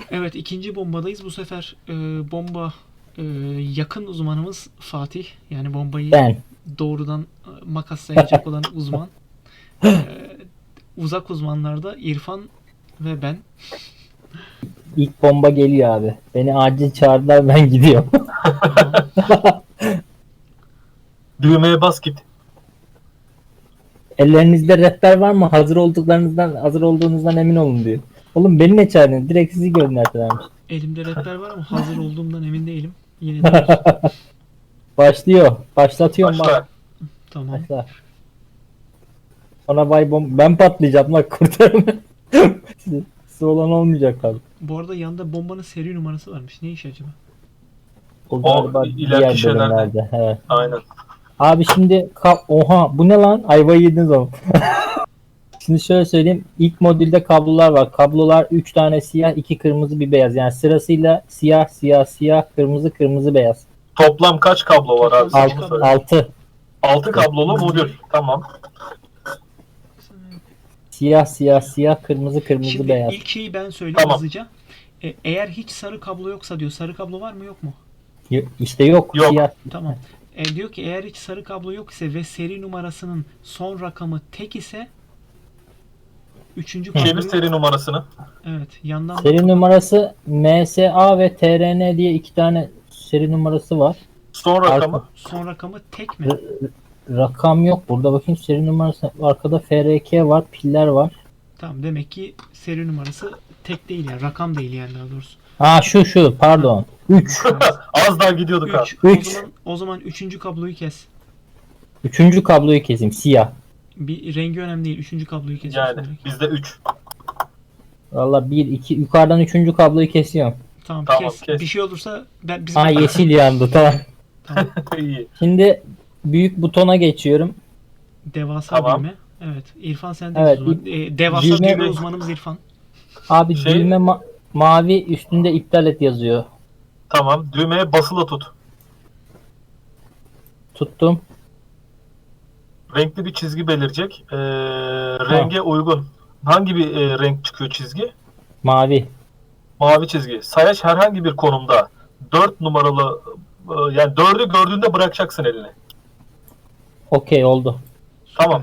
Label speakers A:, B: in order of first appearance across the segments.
A: Evet, ikinci bombadayız. Bu sefer bomba yakın uzmanımız Fatih. Yani bombayı
B: Ben.
A: doğrudan makaslayacak olan uzman. E, Uzak uzmanlarda İrfan ve ben.
B: İlk bomba geliyor abi. Beni acil çağırdılar, ben gidiyorum.
A: Tamam.
C: Düğmeye bas git.
B: Ellerinizde rehber var mı? Hazır olduğunuzdan emin olun diyor. Oğlum beni ne çağırdın? Direkt sizi gönderdilermiş.
A: Elimde rehber var ama hazır olduğumdan emin değilim. Yine de olsun.
B: Başlıyor. Başlatıyorum bak.
C: Başla.
A: Tamam.
B: Başla. Sonra ben patlayacağım lan, kurtarın. Size olan olmayacak abi.
A: Bu arada yanında bombanın seri numarası varmış. Ne iş acaba?
B: O
C: O
B: galiba
C: ileriki
B: diğer
C: şeylerde.
B: bölümlerde. Evet.
C: Aynen.
B: Abi şimdi oha bu ne lan? Ayvayı yediniz oğlum. Şimdi şöyle söyleyeyim. İlk modülde kablolar var. Kablolar 3 tane siyah, 2 kırmızı, bir beyaz. Yani sırasıyla siyah, siyah, siyah, kırmızı, kırmızı, beyaz.
C: Toplam kaç kablo var abi?
A: Toplam
C: Sen
A: kaç
C: bunu
A: kablo?
C: söyle.
B: 6.
C: 6 kablolu modül. Tamam.
B: Siyah, siyah, siyah, kırmızı, kırmızı,
A: Şimdi
B: beyaz.
A: ilk şeyi ben söyleyeyim
C: Tamam.
A: hızlıca. Eğer hiç sarı kablo yoksa diyor. Sarı kablo var mı yok mu?
B: İşte yok.
C: Yok.
B: Siyah.
A: Tamam. Diyor ki eğer hiç sarı kablo yok ise ve seri numarasının son rakamı tek ise üçüncü
C: Çevir
A: kabloyu,
C: seri numarasını.
A: evet, yandan
B: Seri numarası MSA ve TRN diye 2 tane seri numarası var.
C: Son rakamı.
A: son rakamı tek mi?
B: Rakam yok. Burada bakayım seri numarası. Arkada FRK var. Piller var.
A: Tamam, demek ki seri numarası tek değil yani, rakam değil yani, daha doğrusu.
B: Ha şu pardon. 3.
C: Az daha gidiyorduk ha.
A: 3.
B: Üç.
A: O zaman üçüncü kabloyu kes.
B: Üçüncü kabloyu keseyim. Siyah.
A: Bir rengi önemli değil. Üçüncü kabloyu kes.
C: Yani bizde 3.
B: Valla 1, 2. Yukarıdan üçüncü kabloyu kesiyorum.
A: Tamam,
C: Tamam,
A: kes.
C: kes.
A: Bir şey olursa biz
B: Ha yeşil yandı. Tamam.
A: Tamam.
C: İyi.
B: Şimdi büyük butona geçiyorum.
A: Devasa
C: Tamam.
A: düğme. Evet. İrfan sen de
B: Evet,
A: uzman. Devasa
B: düğme-
A: düğme uzmanımız İrfan.
B: Abi
C: Şey-
B: düğme mavi, üstünde iptal et yazıyor.
C: Tamam. Düğmeye basılı tut.
B: Tuttum.
C: Renkli bir çizgi belirecek. Renge uygun. Hangi bir renk çıkıyor çizgi?
B: Mavi.
C: Mavi çizgi. Sayaç herhangi bir konumda 4 numaralı yani 4'ü gördüğünde bırakacaksın elini.
B: Okey oldu.
C: Tamam.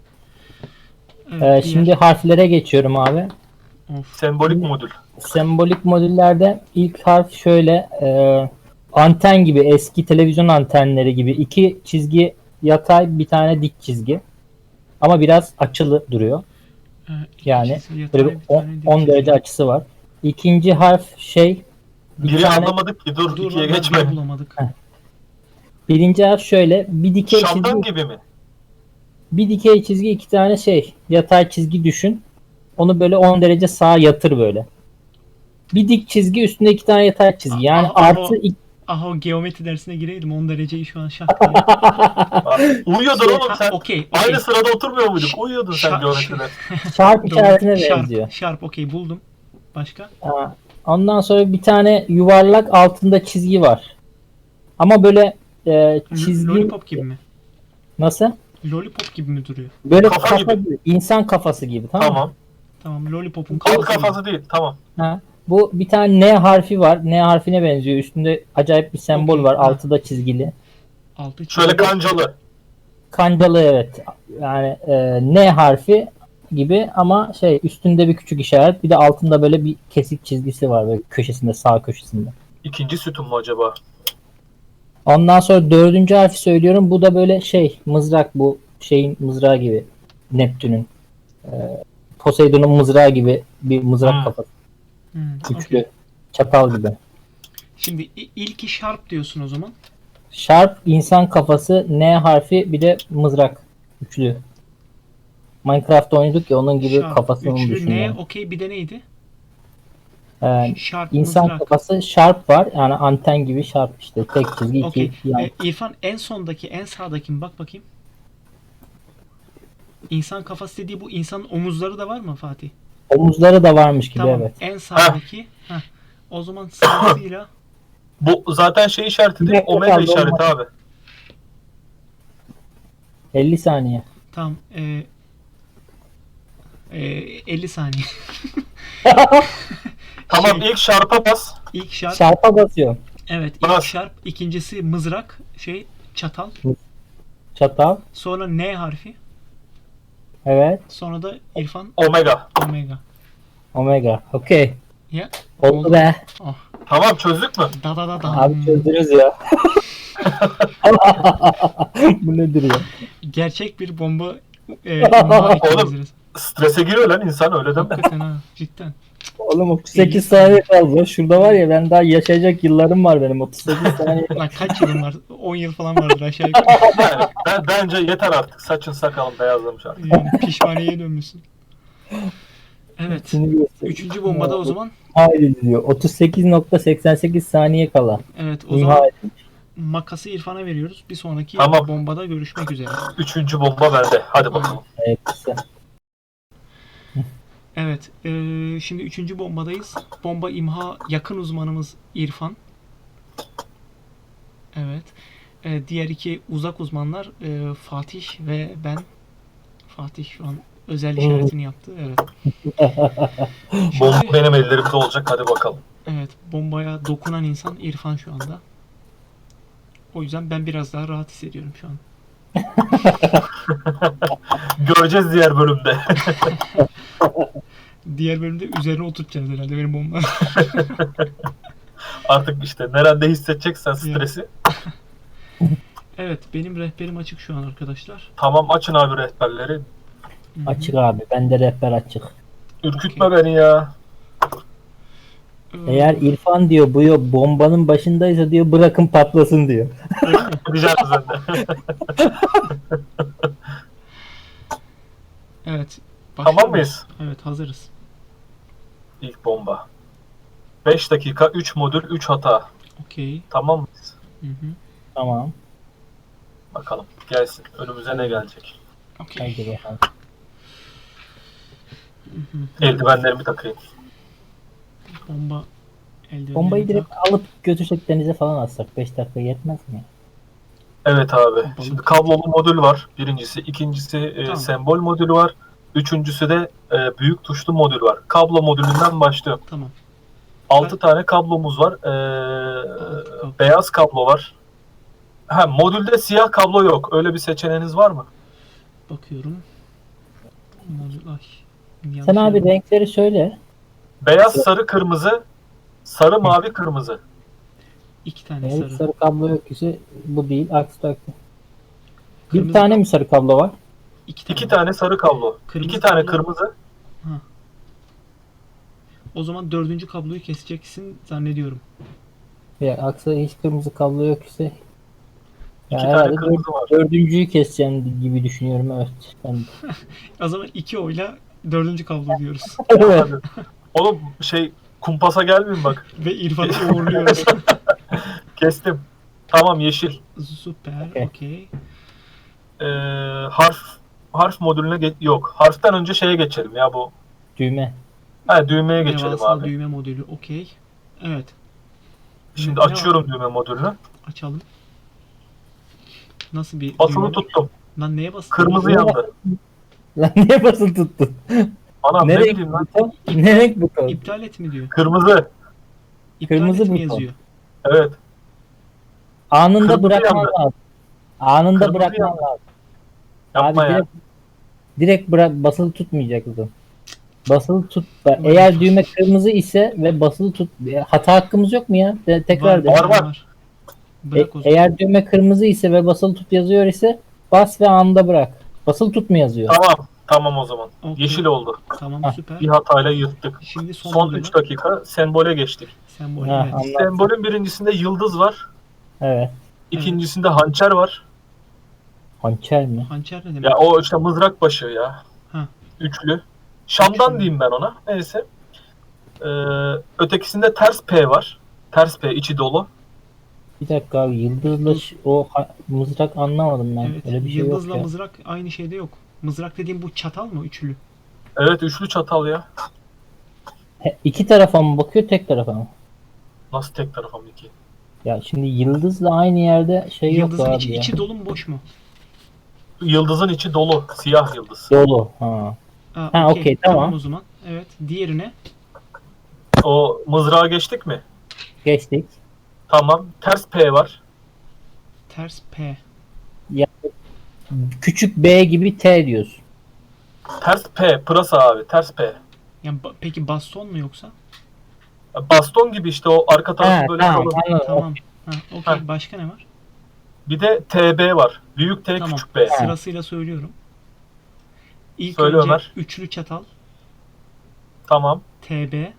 A: Evet, diğer-
B: Şimdi harflere geçiyorum abi.
A: Of.
C: Sembolik modül.
B: Sembolik modüllerde ilk harf şöyle anten gibi, eski televizyon antenleri gibi 2 çizgi yatay, bir tane dik çizgi. Ama biraz açılı duruyor.
A: İki
B: Yani
A: çizgi yatay,
B: böyle
A: bir tane dik
B: 10
A: çizgi.
B: derece açısı var. İkinci harf bir
C: Biri
B: tane,
C: anlamadık ki dur
A: Dur
C: ikiye
A: lan,
C: geçme.
A: bir bulamadık.
B: birinci harf şöyle bir dikey
C: Şamdan
B: çizgi,
C: gibi mi?
B: bir dikey çizgi, 2 tane yatay çizgi düşün. Onu böyle 10 derece sağa yatır böyle. Bir dik çizgi, üstünde 2 tane yatay çizgi. Yani artı
A: Aha, o geometri dersine gireydim. 10 dereceyi şu an şak diye.
C: Uyuyordun oğlum sen.
A: Okey.
C: Aynı sırada oturmuyor muyduk? Uyuyordun sen
A: Şa-
C: geometride.
B: çarp işaretine benziyor.
A: Şarp, okey, buldum. Başka?
B: Ondan sonra bir tane yuvarlak, altında çizgi var. Ama böyle çizgi
A: Lollipop gibi mi?
B: nasıl?
A: Lollipop gibi mi duruyor?
B: Böyle
C: Kafa
B: kafa
C: gibi.
B: gibi, insan kafası gibi, tamam mı?
C: Tamam.
A: Tamam, Lollipop'un
C: Alt
A: kafası gibi.
C: kafası değil. Tamam.
B: Ha. Bu bir tane N harfi var. N harfine benziyor. Üstünde acayip bir sembol
A: Okey,
B: var.
A: ha.
B: Altı da çizgili.
A: Altı
C: Şöyle
A: çizgi.
C: kancalı.
B: Kancalı, evet. Yani N harfi gibi ama üstünde bir küçük işaret. Bir de altında böyle bir kesik çizgisi var böyle köşesinde, sağ köşesinde.
C: İkinci sütun mu acaba?
B: Ondan sonra dördüncü harfi söylüyorum. Bu da böyle mızrak, bu şeyin mızrağı gibi. Neptün'ün. Poseidon'un mızrağı gibi bir mızrak
C: Hmm.
B: kafası. Üçlü.
A: Okey.
B: Çatal gibi.
A: Şimdi ilki Sharp diyorsun o zaman.
B: Sharp, insan kafası, N harfi, bir de mızrak. Üçlü. Minecraft oynadık ya, onun gibi
A: Sharp,
B: kafasını
A: üçlü,
B: düşün
A: ne?
B: yani.
A: Okey, bir de neydi? Sharp,
B: İnsan
A: mızrak.
B: kafası, Sharp var. Yani anten gibi Sharp işte. Tek çizgi,
A: Okey.
B: iki yan.
A: İrfan, en sondaki, en sağdaki mi? Bak bakayım. İnsan kafası dediği, bu insanın omuzları da var mı Fatih?
B: Omuzları da varmış gibi,
A: Tamam.
B: evet.
A: En sağdaki. Heh. O zaman sırasıyla
C: Bu zaten şey işareti değil.
B: Direkt
C: Omega
B: kaldı,
C: işareti
B: olmaz.
C: abi.
B: 50 saniye.
A: tam 50 saniye.
C: Tamam, ilk şarpa bas.
A: İlk şarp.
B: Şarpa basıyorum.
A: Evet, ilk
C: Bas.
A: şarp. İkincisi mızrak. Çatal.
B: Çatal.
A: Sonra N harfi.
B: Evet.
A: Sonra da İrfan
C: Omega.
A: Omega.
B: Omega. Okey.
A: Ya.
B: Oldu be.
A: Oh.
C: Tamam, çözdük mü?
A: Da da da da.
B: Abi çözdünüz ya. Bu nedir ya?
A: Gerçek bir bomba imha ettiğimiz.
C: Strese giriyor lan insan, öyle deme.
A: Hakikaten ha. Cidden.
B: Oğlum 38 saniye kaldı. Şurada var ya, ben daha yaşayacak yıllarım var benim, 38 saniye.
A: Lan kaç yılın var? 10 yıl falan vardır aşağı yukarı.
C: Yani, bence yeter artık. Saçın sakalın beyazlamış artık.
A: Yani pişmaniyeye dönmüşsün. Evet.
B: Şimdi göstereyim.
A: Üçüncü bombada o zaman.
B: Haydi diyor. 38.88 saniye kala.
A: Evet, o zaman
B: Nihayet.
A: makası İrfan'a veriyoruz. Bir sonraki
C: Tamam.
A: bombada görüşmek üzere.
C: Üçüncü bomba bende. Hadi bakalım.
B: Evet, güzel.
A: Evet, şimdi üçüncü bombadayız. Bomba imha yakın uzmanımız İrfan. Evet. Diğer iki uzak uzmanlar Fatih ve ben. Fatih şu an özel işaretini yaptı. Evet.
C: Bomba
A: Şimdi,
C: benim ellerimde olacak. Hadi bakalım.
A: evet, bombaya dokunan insan İrfan şu anda. O yüzden ben biraz daha rahat hissediyorum şu an.
C: Göreceğiz diğer bölümde.
A: Diğer bölümde üzerine oturtacağız herhalde benim bomba.
C: Artık işte nerede hissedeceksen stresi.
A: Evet, benim rehberim açık şu an arkadaşlar.
C: Tamam, açın abi rehberleri.
A: Hı hı.
B: Açık abi. Bende rehber açık.
C: Ürkütme beni ya.
B: Eğer İrfan diyor bu bombanın başındaysa diyor, bırakın patlasın diyor.
A: Öyle mi?
C: Rica ederim sen de.
A: Evet.
C: Tamam
A: başlıyor
C: mıyız?
A: muyuz? Evet, hazırız.
C: İlk bomba. 5 dakika, 3 modül, 3 hata.
A: Okey.
C: Tamam mıyız?
A: Hı hı.
B: Tamam.
C: Bakalım gelsin. Önümüze ne gelecek?
A: Okey.
B: Haydi bakalım.
A: Hı hı.
C: Eldivenlerimi takayım.
A: Bomba eldivenlerini
B: Bombayı direkt
A: tak.
B: alıp götürsek denize falan atsak 5 dakika yetmez mi?
C: Evet abi.
A: Balık.
C: Şimdi kablolu modül var. Birincisi. İkincisi
A: Tamam.
C: sembol modülü var. Üçüncüsü de büyük tuşlu modül var. Kablo modülünden başlıyorum.
A: Tamam.
C: 6 tane kablomuz var.
A: kablo.
C: Beyaz kablo var. Ha, modülde siyah kablo yok. Öyle bir seçeneğiniz var mı?
A: Bakıyorum. Modül- Ay, yanlış
B: Sen abi
A: yere-
B: renkleri söyle.
C: Beyaz, sarı, kırmızı. Sarı, mavi, kırmızı.
A: İki tane
B: Eğer
A: sarı.
B: sarı kablo yok ise bu değil. Aksi takdirde.
A: Kırmızı
B: Bir tane mi sarı kablo var?
C: İki tane sarı kablo.
A: Kırmızı
C: 2 tane
A: kablo.
C: kırmızı.
A: O zaman dördüncü kabloyu keseceksin zannediyorum.
B: Ya aksi hiç kırmızı kablo yok ise ya
C: 2 tane
B: herhalde
C: kırmızı var.
B: dördüncüyü keseceğim gibi düşünüyorum, evet. Ben de.
A: O zaman iki oyla dördüncü kablo diyoruz.
B: Evet.
C: Hadi. Oğlum kumpasa gelmeyin bak.
A: Ve İrfan'ı uğurluyoruz.
C: Kestim. Tamam, yeşil.
A: Süper.
B: Okey.
A: Okey.
C: Harf modülüne yok. Harften önce şeye geçelim ya bu.
B: Düğme.
C: Ha, düğmeye geçelim
A: Devasa
C: abi.
A: düğme modülü. Okey. Evet.
C: Şimdi
A: Ne
C: açıyorum düğme modülünü.
A: Açalım. Nasıl bir
C: Basılı
A: düğme?
C: tuttum.
A: Lan neye bastın?
C: Kırmızı
B: Ne
C: yandı.
B: Lan niye basılı tuttun?
C: Anam
B: Ne
C: ne
B: renk
C: bileyim lan.
B: buton? Ne renk buton?
A: İptal et mi diyor?
C: Kırmızı.
A: İptal
B: Kırmızı
A: et mi
B: buton.
A: yazıyor?
C: Evet.
B: Anında
C: Kırmızı
B: bırakman
C: yandı.
B: lazım. Anında
C: Kırmızı
B: bırakman
C: yandı.
B: lazım.
C: Yapma
B: Abi
C: ya.
B: direkt basılı tutmayacaksın. Basılı tut.
A: Ulan
B: Eğer
A: dur.
B: düğme kırmızı ise ve basılı tut. Hata hakkımız yok mu ya? Tekrar de.
C: Var.
A: Bırak o zaman.
B: Eğer düğme kırmızı ise ve basılı tut yazıyor ise bas ve anında bırak. Basılı tut mu yazıyor?
C: Tamam. Tamam o zaman.
A: Okey.
C: Yeşil oldu.
A: Tamam,
B: Hah,
A: süper.
C: Bir hatayla yırttık.
A: Şimdi son,
C: Son
A: modülü.
C: 3 dakika sembole geçtik.
A: Sembol.
B: Ha,
A: Evet.
B: anladım.
C: Sembolün birincisinde yıldız var.
B: Evet.
C: İkincisinde hançer var.
B: Hançer mi?
A: Hançer ne demek?
C: Ya o işte mızrak başı ya.
A: Ha.
C: Üçlü. Şam'dan
A: Üçlü.
C: diyeyim ben ona. Neyse. Ötekisinde ters P var. Ters P içi dolu.
B: Bir dakika abi, yıldızla mızrak anlamadım ben.
A: Evet.
B: Öyle bir şey
A: Yıldızla
B: yok ya.
A: mızrak aynı şeyde yok. Mızrak dediğim bu çatal mı? Üçlü.
C: Evet, üçlü çatal ya.
B: İki tarafa mı bakıyor, tek tarafa mı?
C: Nasıl tek tarafım iki?
B: Ya şimdi yıldızla aynı yerde şey yok
A: Yıldızın
B: abi
A: içi,
B: ya.
A: içi dolu mu boş mu?
C: Yıldızın içi dolu. Siyah yıldız.
B: Dolu. Ha. Ha, okey, tamam.
A: o zaman. Evet. Diğerine
C: O mızrağı geçtik mi?
B: Geçtik.
C: Tamam. Ters P var.
A: Ters P.
B: Küçük B gibi T diyorsun.
C: Ters P. Pırasa abi. Ters P.
A: Yani peki baston mu yoksa?
C: Baston gibi işte o arka tarafı
B: Ha,
C: böyle
B: tamam,
C: kalın.
B: anladım.
A: Tamam. Ha, okey.
C: Ha.
A: Başka ne var?
C: Bir de TB var. Büyük T
A: Tamam.
C: küçük B.
A: Sırasıyla söylüyorum. İlk
C: Söyle
A: önce
C: Ömer.
A: üçlü çatal,
C: Tamam.
A: TB,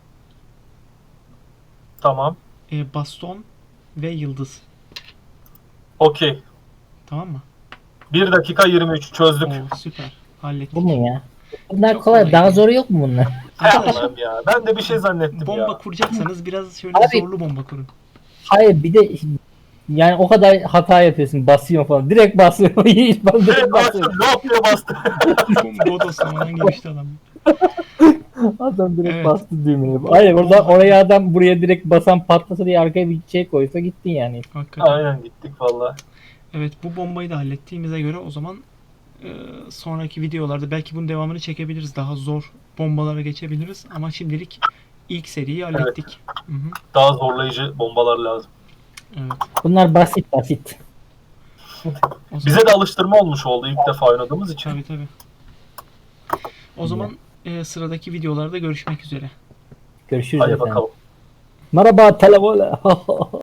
C: Tamam.
A: baston ve yıldız.
C: Okey.
A: Tamam mı?
C: 1 dakika 23 çözdük.
A: Oo, süper. Hallettik.
B: Bu mu ya? Bunlar
A: Çok
B: kolay.
A: kolay
B: Daha
A: değil.
B: zoru yok mu bunlar?
A: Arkadaşlar,
C: Allah'ım ya. Ben de bir şey zannettim
A: bomba
C: ya.
A: kuracaksanız biraz şöyle
B: Abi-
A: zorlu bomba kurun.
B: Hayır bir de yani o kadar hata yapıyorsun. Basıyorsun falan. Direkt basıyorsun. Hiç ben direkt
C: Direkt bastım.
B: basıyorum.
C: Lop diye bastı.
A: Bodoslamadan girişti adam.
B: Adam direkt
A: Evet.
B: bastı düğmeye. Hayır oraya adam buraya direkt basan patlasa diye arkaya bir şey koysa gittin yani.
A: Hakikaten.
C: Aynen gittik valla.
A: Evet, bu bombayı da hallettiğimize göre o zaman sonraki videolarda belki bunun devamını çekebiliriz. Daha zor bombalara geçebiliriz ama şimdilik ilk seriyi hallettik. Hı hı.
C: Daha zorlayıcı bombalar lazım.
A: Evet.
B: Bunlar basit basit.
A: O zaman,
C: Bize de alıştırma olmuş oldu ilk defa oynadığımız için.
A: tabii tabii. O zaman sıradaki videolarda görüşmek üzere.
B: Görüşürüz
C: Hadi
B: efendim.
C: bakalım.
B: Merhaba telefon.